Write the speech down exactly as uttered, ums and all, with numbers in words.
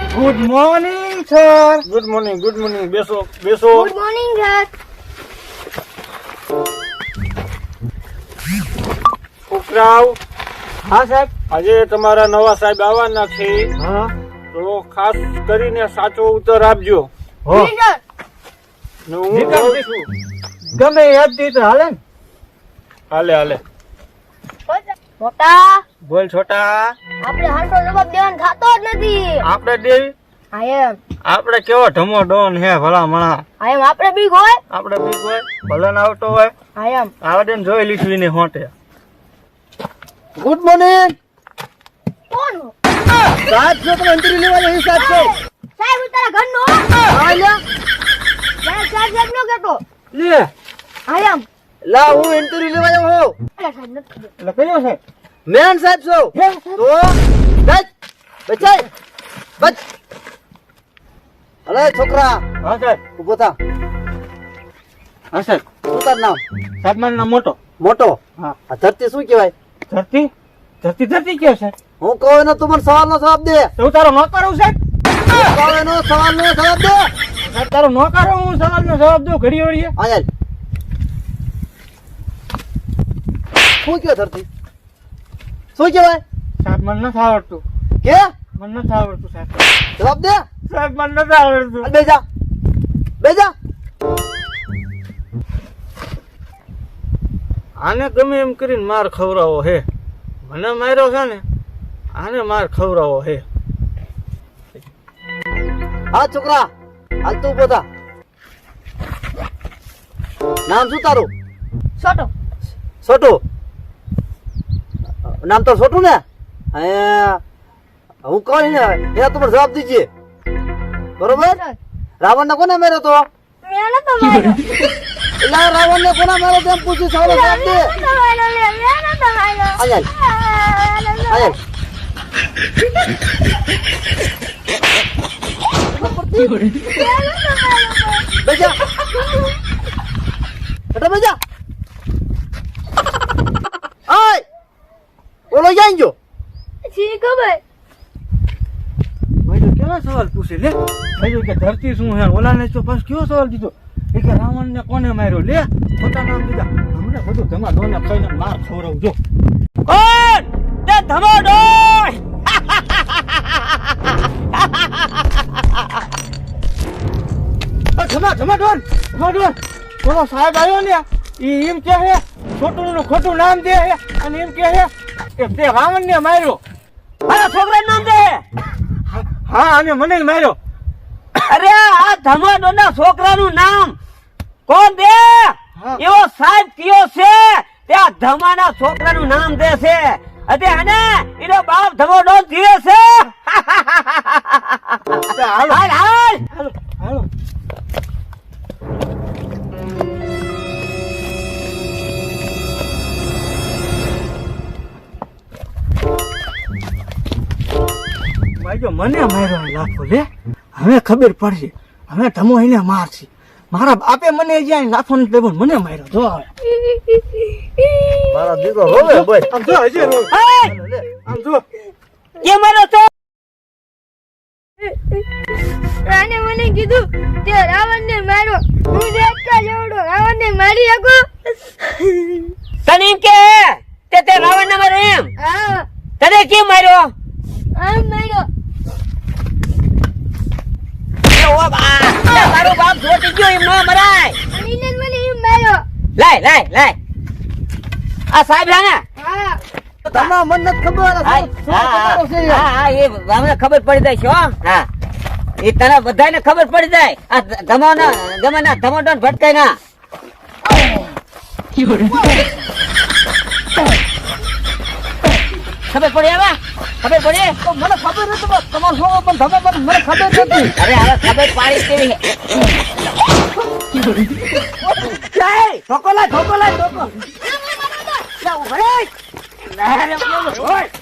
Good morning sir. Good morning good morning બેસો બેસો. Good morning sir. છોકરાઓ, હા સાહેબ. આજે તમારા નવા સાહેબ આવવાના છે, હા તો ખાસ કરીને સાચો ઉત્તર આપજો. હો જી સર. ને હું નીકળ. કહું છું. ગમે યાદ દી તો હાલે ને. હાલે હાલે. મોટા બોલ છોટા. આપણે હાલતો જવાબ દેવાનો થતો જ નથી. આપણે દેવી આઈ એમ આપણે કેવો ઢમો ડોન હે ભલા મણા. આઈ એમ આપણે બીક હોય. આપણે બીક હોય ભલે ના આવતો હોય આઈ એમ આવડે ને જોઈ લીધું ને હોટે. Good morning. કોણ હો? સાહેબ છો તમે અંતરી લેવા જઈ સાહેબ છો. સાહેબ હું તારા ઘરનો હો. હા લે સાહેબ સાહેબ સાહેબ નો કહેતો. લે આઈ એમ લા હું ઇન્ટરવ્યુ લેવા જાઉં છું. એટલે સાહેબ નથી ખબર. એટલે કયો છે મેન સાહેબ છો હે સાહેબ. તો બચ બચાય બચ. અરે છોકરા હા સાહેબ. ઉભો થા. હા સાહેબ. શું તાર નામ? સાહેબ મારું નામ મોટો. મોટો. હા. આ ધરતી શું કહેવાય? ધરતી ધરતી ધરતી કયો સાહેબ? હું કહું એનો તું મને સવાલ નો જવાબ દે. તો હું તારો નોકર હું સાહેબ. હું કહું એનો સવાલ નો જવાબ દે. સાહેબ તારો નોકર હું હું સવાલનો જવાબ દઉં ઘડી વળીએ. હા યાર શું કહેવાય ધરતી? શું કહેવાય? સાહેબ મને નથી આવડતું. કે મને નથી આવડતું સાહેબ. જવાબ દે. સાહેબ મને નથી આવડતું. હાલ બેજા બેજા. આને ગમે એમ કરીને માર ખવડાવો હે. મને માર્યો છે ને આને માર ખવડાવો હે. હા છોકરા હાલ તું ઉભો થા. નામ શું તારું? છોટો. છોટું. નામ તો છોટું ને? હે હું કહું ને એના તમારે જવાબ દીજીએ. બરોબર? રાવણ ને કોને માર્યો તો? મેં નતો માર્યો. એટલે રાવણ ને કોને માર્યો તેમ પૂછ્યું. સવાલ જવાબ દે. મેં નતો માર્યો લે. મેં નતો માર્યો. આયલ આ, આયલ મેં નતો માર્યો. બેજા એટલે બેજા. આય ઓલો ક્યાં ગયો? જી ખબર. ભાઈ તો કેવા સવાલ પૂછે લે. ભાઈ કે ધરતી શું હે ઓલાને તો બસ કયો સવાલ દીધો એ કે રાવણ ને કોને માર્યો લે. ખોટા નામ દીધા. હમણાં બધું ધમા ડોને ખાઈને માર ખવડાવજો. કોણ તે ધમો ડોય? ધમા ધમા ડોન ધમા ડોન. બોલો સાહેબ આવ્યો ને ઈ એમ કે હે છોટું નું ખોટું નામ દે હે અને એમ કે હે કે તે રાવણ ને માર્યો. મારા છોકરા નામ દે. હા અને મને જ માર્યો. અરે આ ધમાડો ના છોકરાનું નામ કોણ દે? એવો સાહેબ કયો છે ત્યાં ધમાના છોકરાનું નામ દે છે. અરે આને એનો બાપ ધમાડો જીવે છે. હાલો હાલ હાલ હાલો હાલો. ભાઈજો મને માર્યો લાખો લે. હવે ખબર પડશે. હવે ધમો એને મારશે. મારા બાપે મને જ્યાં લાખો ને ટેબલ મને માર્યો. જો હવે મારા દીકરો રોવે બોય. આમ જો હજી રોવે. આમ જો કે મારો તો આને મને કીધું તે રાવણ ને માર્યો. હું દેખતા જેવડો રાવણ ને મારી શકો. તને એમ કે તે તે રાવણ ને માર્યો એમ? હા તને કેમ માર્યો? આમ માર્યો. એ ઓ બા તે તારો બાપ જોટી ગયો એમ ન મરાય. અને એને મને એમ માર્યો. લાય લાય લાય આ સાહેબ હે ને? હા તમારા મન નથી ખબર. આ હા શું- શું તમારો છે યાર? હા હા એ અમને ખબર પડી જાય છે હો. હા એ તને બધાને ખબર પડી જાય. આ ધમાના ધમાના ધમાડો ભટકાય ના. ખબર પડી હવે? ખબર પડી? તો મને ખબર નથી બસ તમારો શું પણ તમે પણ મને ખબર નથી. અરે હવે ખબર પાડી કેવી છે? ઠોકો લાય ઠોકો લાય ઠોકો. લે ઉભો રે. લે રે ઓય